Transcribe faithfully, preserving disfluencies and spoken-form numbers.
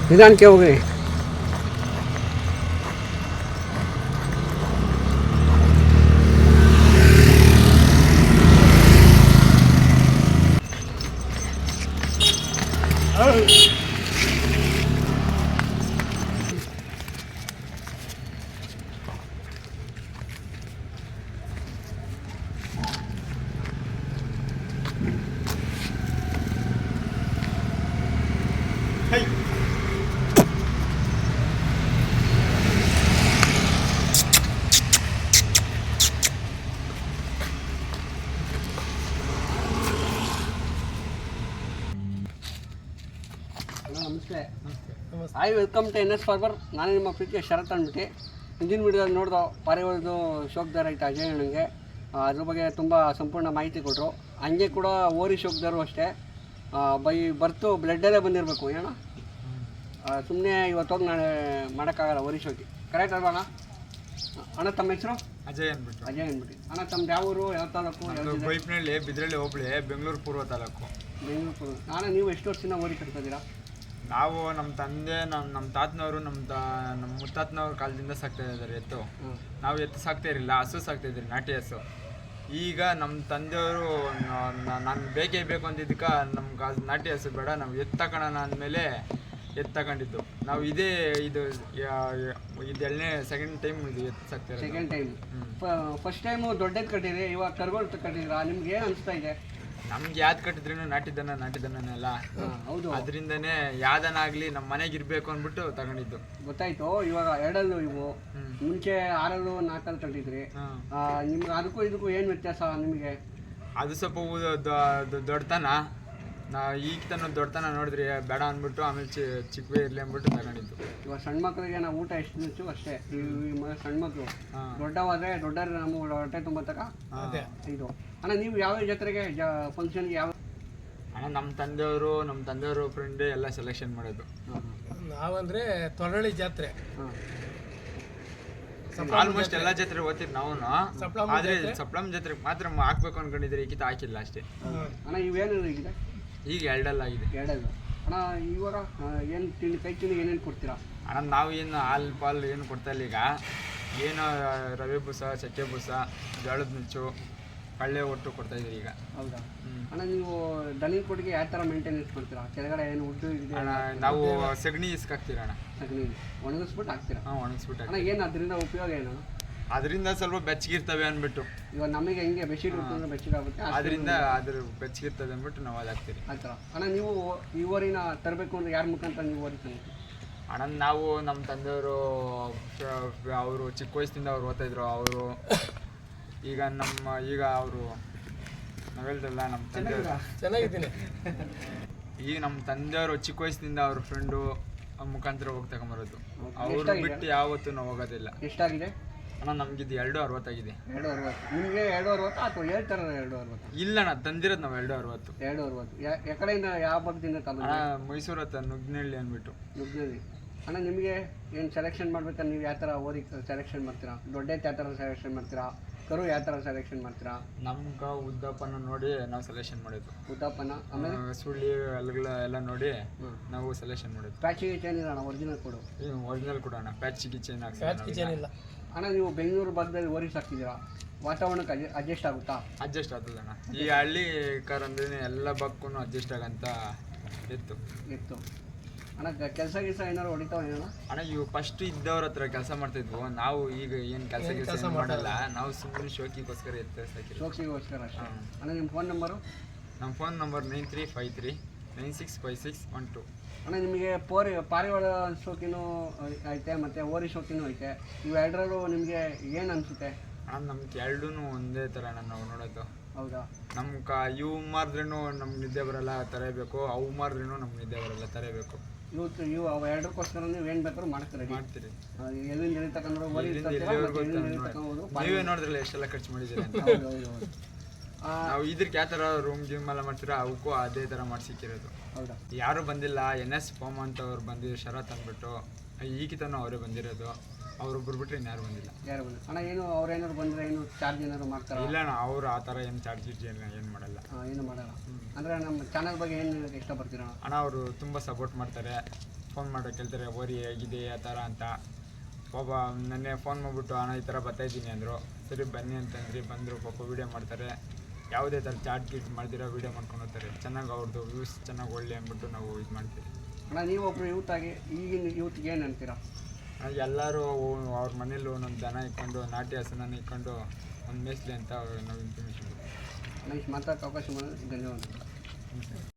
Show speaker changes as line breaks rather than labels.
ನಿಧಾನಕ್ಕೆ ಹೋಗಿ. ನಮಸ್ತೆ. Hi, welcome to N S farmer. ನಾನು ನಿಮ್ಮ ಪ್ರೀತಿಯ ಶರತ್ ಅಂದ್ಬಿಟ್ಟು ಹಿಂದಿನ ವಿಡಿಯೋದಲ್ಲಿ ನೋಡಿದೋ ಪಾರಿವಾಳದ್ದು ಶೋಕ್ದಾರ ಐತೆ ಅಜಯ್ ನನಗೆ ಅದ್ರ ಬಗ್ಗೆ ತುಂಬ ಸಂಪೂರ್ಣ ಮಾಹಿತಿ ಕೊಟ್ಟರು. ಹಂಗೆ ಕೂಡ ಓರಿ ಶೋಕ್ದಾರು ಅಷ್ಟೇ ಬೈ ಬರ್ತು ಬ್ಲಡ್ಡಲ್ಲೇ ಬಂದಿರಬೇಕು ಏನೋ, ಸುಮ್ಮನೆ ಇವತ್ತೋಗಿ ನಾಳೆ ಮಾಡೋಕ್ಕಾಗಲ್ಲ ಓರಿ ಶೋಕಿ. ಕರೆಕ್ಟ್ ಅಲ್ವಾ ಅಣ್ಣ? ಅಣ್ಣ ತಮ್ಮ ಹೆಸರು?
ಅಜಯ್ ಅಂದ್ಬಿಟ್ಟು.
ಅಜಯ್ ಅಂದ್ಬಿಟ್ಟು. ಅಣ್ಣ ತಮ್ಮ ಯಾವ ಊರು, ಯಾವ ತಾಲೂಕು?
ಬೈಪ್ನಳ್ಳಿ, ಬಿದ್ರಳ್ಳಿ ಹೋಬಳಿ, ಬೆಂಗಳೂರು ಪೂರ್ವ ತಾಲೂಕು.
ಬೆಂಗಳೂರು ಪೂರ್ವ. ನಾನು ನೀವು ಎಷ್ಟು ವರ್ಷದಿಂದ ಓರಿ ಕಟ್ತಿದ್ದೀರಾ?
ನಾವು ನಮ್ಮ ತಂದೆ ನಮ್ಮ ನಮ್ಮ ತಾತನವರು ನಮ್ಮ ತ ನಮ್ಮ ಮುತ್ತಾತನವ್ರ ಕಾಲದಿಂದ ಸಾಕ್ತಾ ಇದ್ದಾರೆ ಎತ್ತು. ನಾವು ಎತ್ತು ಸಾಕ್ತಾ ಇರಲಿಲ್ಲ, ಹಸು ಸಾಕ್ತಾ ಇದ್ರಿ, ನಾಟಿ ಹಸು. ಈಗ ನಮ್ಮ ತಂದೆಯವರು ನಾನು ಬೇಕೇ ಬೇಕು ಅಂದಿದ್ದಕ್ಕೆ ನಮ್ಗೆ ಅದು ನಾಟಿ ಹಸು ಬೇಡ, ನಾವು ಎತ್ತು ತಗೊಳ್ಳೋಣ ಅಂದಮೇಲೆ ಎತ್ತು ತಗೊಂಡಿದ್ದು. ನಾವು ಇದೇ ಇದು ಇದೆರಡನೇ ಸೆಕೆಂಡ್ ಟೈಮ್ ಇದು ಎತ್ತು ಸಾಕ್ತಾ ಇರೋದು.
Second time. ಫಸ್ಟ್ ಟೈಮು ದೊಡ್ಡದು ಕಟ್ಟಿದ್ರಿ, ಇವಾಗ ಕರ್ಗೋಲ್ ಕಟ್ಟಿದ್ರಾ? ನಿಮ್ಗೆ ಏನು ಅನಿಸ್ತಾ ಇದೆ?
ನಮ್ಗೆ ಯಾವ್ದು ಕಟ್ಟಿದ್ರೂ ನಾಟಿದನ ನಾಟಿದನಲ್ಲ.
ಹೌದು,
ಅದರಿಂದನೇ ಯಾವ್ದನಾಗ್ಲಿ ನಮ್ಮ ಮನೆಗೆ ಇರಬೇಕು ಅಂದ್ಬಿಟ್ಟು ತಗೊಂಡಿದ್ದು.
ಗೊತ್ತಾಯ್ತು. ಇವಾಗ ಎರಡಲ್ಲೂ ಇವು ಮುಂಚೆ ಆರಲ್ಲೂ ನಾಲ್ಕಲ್ಲಿ ಕಟ್ಟಿದ್ರಿ, ನಿಮ್ಗೆ ಅದಕ್ಕೂ ಇದಕ್ಕೂ ಏನು ವ್ಯತ್ಯಾಸ ನಿಮಗೆ?
ಅದು ಸ್ವಲ್ಪ ದೊಡ್ಡತನ, ನಾ ಈಗ ತನ ದೊಡ್ಡತನ ನೋಡಿದ್ರಿ ಬೇಡ ಅಂದ್ಬಿಟ್ಟು ಆಮೇಲೆ ಚಿ ಚಿಕ್ಕವೇ ಇರಲಿ ಅಂದ್ಬಿಟ್ಟು ತಗೊಂಡಿದ್ದು.
ಇವಾಗ ಸಣ್ಣ ಮಕ್ಕಳಿಗೆ ನಾವು ಊಟ ಎಷ್ಟು ನುಚ್ಚು ಅಷ್ಟೇ. ಈ ಸಣ್ಣ ಮಕ್ಕಳು ದೊಡ್ಡವಾದ್ರೆ ದೊಡ್ಡ ನಮ್ಮ ಹೊಟ್ಟೆ ತುಂಬ ತಕ ಇದು. ಅಣ್ಣ ನೀವು ಯಾವ ಜಾತ್ರೆಗೆ ಫಂಕ್ಷನ್ಗೆ ಯಾವ?
ಅಣ್ಣ ನಮ್ಮ ತಂದೆಯವರು ನಮ್ಮ ತಂದೆಯವರು ಫ್ರೆಂಡ್ ಎಲ್ಲ ಸೆಲೆಕ್ಷನ್ ಮಾಡೋದು.
ನಾವಂದ್ರೆ ತೊರಳಿ ಜಾತ್ರೆ,
ಆಲ್ಮೋಸ್ಟ್ ಎಲ್ಲ ಜಾತ್ರೆ ಓದ್ತೀವಿ ನಾವು. ಆದ್ರೆ ಸಪ್ಲಮ್ ಜಾತ್ರೆಗೆ ಮಾತ್ರ ಹಾಕ್ಬೇಕು ಅನ್ಕೊಂಡಿದ್ರೆ ಈಗಿತ ಹಾಕಿಲ್ಲ ಅಷ್ಟೇ.
ಅಣ್ಣ ಇವೇನು ಇದೆ?
ಈಗ ಎರಡಲ್ಲಾಗಿದೆ.
ಎರಡಲ್ಲ. ಅಣ್ಣ ಇವಾಗ ಏನು ತಿಂಡಿ ಕೈ ತಿಂಡಿ ಏನೇನು ಕೊಡ್ತೀರಾ?
ಅಣ್ಣ ನಾವು ಏನು ಹಾಲು ಪಾಲು ಏನು ಕೊಡ್ತಾ ಇಲ್ಲ ಈಗ. ಏನು ರವೆ ಬೂಸ, ಚಕ್ಕೆ ಬೂಸ, ಜೋಳದ ನುಚ್ಚು, ಕಳ್ಳೆ ಒಟ್ಟು ಕೊಡ್ತಾ ಇದ್ದೀರಿ ಈಗ.
ಹೌದಾ ಅಣ್ಣ? ನೀವು ದನಿ ಕೊಟ್ಟಿಗೆ ಯಾವ ಥರ ಮೇಂಟೆನೆನ್ಸ್ ಮಾಡ್ತೀರಾ? ಕೆಳಗಡೆ ಏನು ಉಡ್ಡು ಇದೆ?
ಅಣ್ಣ ನಾವು ಸಗಣಿ ಇಸ್ಕಾಕ್ತೀರ ಅಣ್ಣ.
ಸಗಣಿ ಒಣಗಿಸ್ಬಿಟ್ಟು ಹಾಕ್ತೀರಾ?
ಹಾಂ, ಒಣಗಿಸ್ಬಿಟ್ಟು.
ಅಣ್ಣ ಏನು ಅದರಿಂದ ಉಪಯೋಗ ಏನು?
ಅದರಿಂದ ಸ್ವಲ್ಪ ಬೆಚ್ಚಗಿರ್ತವೆ ಅಂದ್ಬಿಟ್ಟು.
ಇವಾಗ ನಮಗೆ ಹೆಂಗೆ ಬೆಡ್ಶೀಟ್ ಉಟ್ಕೊಂಡ್ರೆ ಬೆಚ್ಚಗಾಗುತ್ತೆ,
ಅದರಿಂದ ಅದ್ರ ಬೆಚ್ಚಗಿರ್ತದೆ ಅಂದ್ಬಿಟ್ಟು ನಾವು ಅದು ಹಾಕ್ತೀರಿ
ಆ ಥರ. ಅಣ್ಣ ನೀವು ಈ ಓರಿನ ತರಬೇಕು ಅಂದ್ರೆ ಯಾರ ಮುಖಾಂತರ ನೀವು ಓರಿ ತಂದು?
ಅಣ್ಣ ನಾವು ನಮ್ಮ ತಂದೆಯವರು ಅವರು ಚಿಕ್ಕ ವಯಸ್ಸಿಂದ ಅವ್ರು ಓದ್ತಾಯಿದ್ರು. ಅವರು ಈಗ ನಮ್ಮ ಈಗ ಅವರು ನಾವು ಹೇಳ್ದಲ್ಲ ನಮ್ಮ ತಂದೆಯವರು
ಚೆನ್ನಾಗಿದ್ದೀನಿ.
ಈಗ ನಮ್ಮ ತಂದೆಯವರು ಚಿಕ್ಕ ವಯಸ್ಸಿನಿಂದ ಅವ್ರ ಫ್ರೆಂಡು ಮುಖಾಂತರ ಹೋಗಿ ತಗೊಂಬರೋದು. ಅವರು ಬಿಟ್ಟು ಯಾವತ್ತೂ ನಾವು ಹೋಗೋದಿಲ್ಲ.
ಎಷ್ಟಾಗಿದೆ
ಅಣ್ಣ? ನಮ್ಗಿದ್ದು ಎರಡು ಅರವತ್ತಾಗಿದೆ.
ಎರಡು ಅರವತ್ತು. ನಿಮಗೆ ಎರಡು ಅರವತ್ತು ಅಥವಾ ಹೇಳ್ತಾರ ಎರಡು ಅರವತ್ತು?
ಇಲ್ಲ ಅಣ್ಣ, ತಂದಿರೋದು ನಾವು ಎರಡು ಅರವತ್ತು.
ಎರಡು ಅರವತ್ತು. ಯಾ ಕಡೆಯಿಂದ ಯಾವ ಭಾಗದಿಂದ ತಂದ?
ಮೈಸೂರು ಹತ್ರ ನುಗ್ನಳ್ಳಿ ಅಂದ್ಬಿಟ್ಟು.
ನುಗ್ನಳ್ಳಿ. ಅಣ್ಣ ನಿಮಗೆ ಏನು ಸೆಲೆಕ್ಷನ್ ಮಾಡ್ಬೇಕಾದ್ರೆ ನೀವು ಯಾವ ಥರ ಓದಿ ಸೆಲೆಕ್ಷನ್ ಮಾಡ್ತೀರಾ? ದೊಡ್ಡೈತೆ ಯಾವ ಥರ ಸೆಲೆಕ್ಷನ್ ಮಾಡ್ತೀರಾ? ಕರು ಯಾವ ಥರ ಸೆಲೆಕ್ಷನ್ ಮಾಡ್ತೀರಾ?
ನಮ್ಗೆ ಉದ್ದಪ್ಪನ ನೋಡಿ ನಾವು ಸೆಲೆಕ್ಷನ್ ಮಾಡೋದು.
ಉದ್ದಪ್ಪನ ಆಮೇಲೆ
ಸುಳ್ಳಿ ಅಲ್ಗಳ ಎಲ್ಲ ನೋಡಿ ನಾವು ಸೆಲೆಕ್ಷನ್ ಮಾಡೋದು.
ಪ್ಯಾಚಿಗೆ ಚೈನ್ ಇಲ್ಲ ಅಣ್ಣ, ಒರಿಜಿನಲ್ ಕೊಡು.
ಒರಿಜಿನಲ್ ಕೊಡೋಣ, ಪ್ಯಾಚಿಗೆ ಚೈನ್
ಇಲ್ಲ.
ಅಣ್ಣ ನೀವು ಬೆಂಗಳೂರು ಭಾಗದಲ್ಲಿ ಓರಿ ಸಾಕ್ತಿದ್ದೀರಾ, ವಾತಾವರಣಕ್ಕೆ ಅಡ್ಜ ಅಡ್ಜಸ್ಟ್ ಆಗುತ್ತಾ?
ಅಡ್ಜಸ್ಟ್ ಆಗ್ತದೆ ಅಣ್ಣ. ಈ ಹಳ್ಳಿ ಕಾರ್ ಅಂದ್ರೆ ಎಲ್ಲ ಬಕ್ಕೂ ಅಡ್ಜಸ್ಟ್ ಆಗಂತ ಇತ್ತು
ಇತ್ತು ಅಣ್ಣ. ಕೆಲಸ ಗಿಲ್ಸ ಏನಾರು ಹೊಡಿತಾವ ಏನೋ?
ಅಣ್ಣ ಇವು ಫಸ್ಟ್ ಇದ್ದವ್ರ ಹತ್ರ ಕೆಲಸ ಮಾಡ್ತಿದ್ವು. ನಾವು ಈಗ ಏನು ಕೆಲಸ ಕೆಲಸ ಮಾಡಲ್ಲ, ನಾವು ಸುಮ್ಮನೆ ಶೋಕಿಗೋಸ್ಕರ ಎತ್ತ ಸಾಕಿ
ಶೋಕಿಗೋಸ್ಕರ ಅಷ್ಟೇ. ಅಣ್ಣ ನಿಮ್ಮ ಫೋನ್ ನಂಬರು?
ನಮ್ಮ phone number nine three five three nine six five six one two.
ಅಣ್ಣ ನಿಮಗೆ ಪೋರಿ ಪಾರಿವಾಳ ಶೋಕಿನೂ ಐತೆ ಮತ್ತು ಓರಿ ಶೋಕಿನೂ ಐತೆ. ಇವೆರಡರಲ್ಲೂ ನಿಮಗೆ ಏನು ಅನಿಸುತ್ತೆ?
ಅಣ್ಣ ನಮ್ಗೆ ಎರಡೂ ಒಂದೇ ಥರ ಅಣ್ಣ ನಾವು ನೋಡೋದು.
ಹೌದಾ?
ನಮ್ಮ ಕ ಇವು ಮಾರಿದ್ರೂ ನಮ್ಗೆ ನಿದ್ದೆ ಬರಲ್ಲ ತರಬೇಕು, ಅವು ಮಾರಿದ್ರೂ ನಮ್ಗೆ ನಿದ್ದೆ ಬರಲ್ಲ ತರಬೇಕು.
ಇವತ್ತು ಇವು ಅವು ಎರಡಕ್ಕೋಸ್ಕರ ನೀವು ಏನು ಬೇಕಾದ್ರೂ ಮಾಡ್ತೀರಿ ಮಾಡ್ತೀರಿ ಎಲ್ಲಿಂದ ಎಲ್ಲಿ ತಗೊಂಡ್ರು
ನೀವೇ ನೋಡಿದ್ರಲ್ಲ ಎಷ್ಟೆಲ್ಲ ಖರ್ಚು ಮಾಡಿದ್ದೀರಿ ಅಂತ. ನಾವು ಇದಕ್ಕೆ ಯಾವ ಥರ ರೂಮ್ ಗಿಮ್ ಎಲ್ಲ ಮಾಡ್ತೀರಾ ಅವಕ್ಕೂ ಅದೇ ಥರ ಮಾಡಿಸಿಕ್ಕಿರೋದು.
ಹೌದಾ?
ಯಾರೂ ಬಂದಿಲ್ಲ. ಎನ್ ಎಸ್ ಫಾರ್ಮ್ ಅಂತ ಅವ್ರು ಬಂದಿದ್ರು, ಶರತ್ ಅಂದ್ಬಿಟ್ಟು. ಈಗಿತನೂ ಅವರೇ ಬಂದಿರೋದು. ಅವ್ರೊಬ್ರು ಬಿಟ್ಟರೆ ಇನ್ಯಾರು ಬಂದಿಲ್ಲ.
ಯಾರು ಬಂದಿಲ್ಲ ಅಣ್ಣ? ಏನು ಅವ್ರು ಏನಾದ್ರು ಬಂದರೆ ಏನು ಚಾರ್ಜ್ ಏನಾದ್ರು ಮಾಡ್ತಾರೆ?
ಇಲ್ಲ ಅಣ್ಣ, ಅವ್ರು ಆ ಥರ ಏನು ಚಾರ್ಜ್ ಏನು ಏನು ಮಾಡಲ್ಲ.
ಏನು ಮಾಡಲ್ಲ ಅಂದರೆ ನಮ್ಮ ಚಾನಲ್ ಬಗ್ಗೆ ಏನು ಇಷ್ಟಪಡ್ತೀರ
ಅಣ್ಣ? ಅವರು ತುಂಬ ಸಪೋರ್ಟ್ ಮಾಡ್ತಾರೆ. ಫೋನ್ ಮಾಡೋ ಕೇಳ್ತಾರೆ ಓರಿ ಹೇಗಿದೆ ಆ ಥರ ಅಂತ. ಪಾಪ ನೆನ್ನೆ ಫೋನ್ ಮಾಡಿಬಿಟ್ಟು ಅಣ್ಣ ಈ ಥರ ಬರ್ತಾಯಿದ್ದೀನಿ ಅಂದರು. ಸರಿ ಬನ್ನಿ ಅಂತಂದ್ರಿ, ಬಂದರು. ಪಾಪ ವೀಡಿಯೋ ಮಾಡ್ತಾರೆ, ಯಾವುದೇ ಥರ ಚಾಟ್ ಗೀಟ್ ಮಾಡ್ದಿರೋ ವೀಡಿಯೋ ಮಾಡ್ಕೊಂಡು ಹೋಗ್ತಾರೆ. ಚೆನ್ನಾಗಿ ಅವ್ರದ್ದು ವ್ಯೂಸ್ ಚೆನ್ನಾಗಿ ಒಳ್ಳೆ ಅಂದ್ಬಿಟ್ಟು ನಾವು ಇದು ಮಾಡ್ತೀವಿ.
ಅಣ್ಣ ನೀವೊಬ್ಬರು ಯೂತ್ ಆಗಿ ಈಗಿನ ಯೂತ್ಗೆ ಏನು ಅಂತೀರಾ?
ಎಲ್ಲರೂ ಅವ್ರ ಮನೇಲಿ ಒಂದೊಂದು ದನ ಇಟ್ಕೊಂಡು ನಾಟಿ ಹಸುನ ಇಟ್ಕೊಂಡು ಒಂದು ಮೇಸ್ಲಿ ಅಂತ ನಾವು ಇನ್ಫಾರ್ಮೇಷನ್
ನನಗೆ ಮಾತಾಡೋಕ್ಕೆ ಅವಕಾಶ ಮಾಡಿದ್ರೆ ಧನ್ಯವಾದ.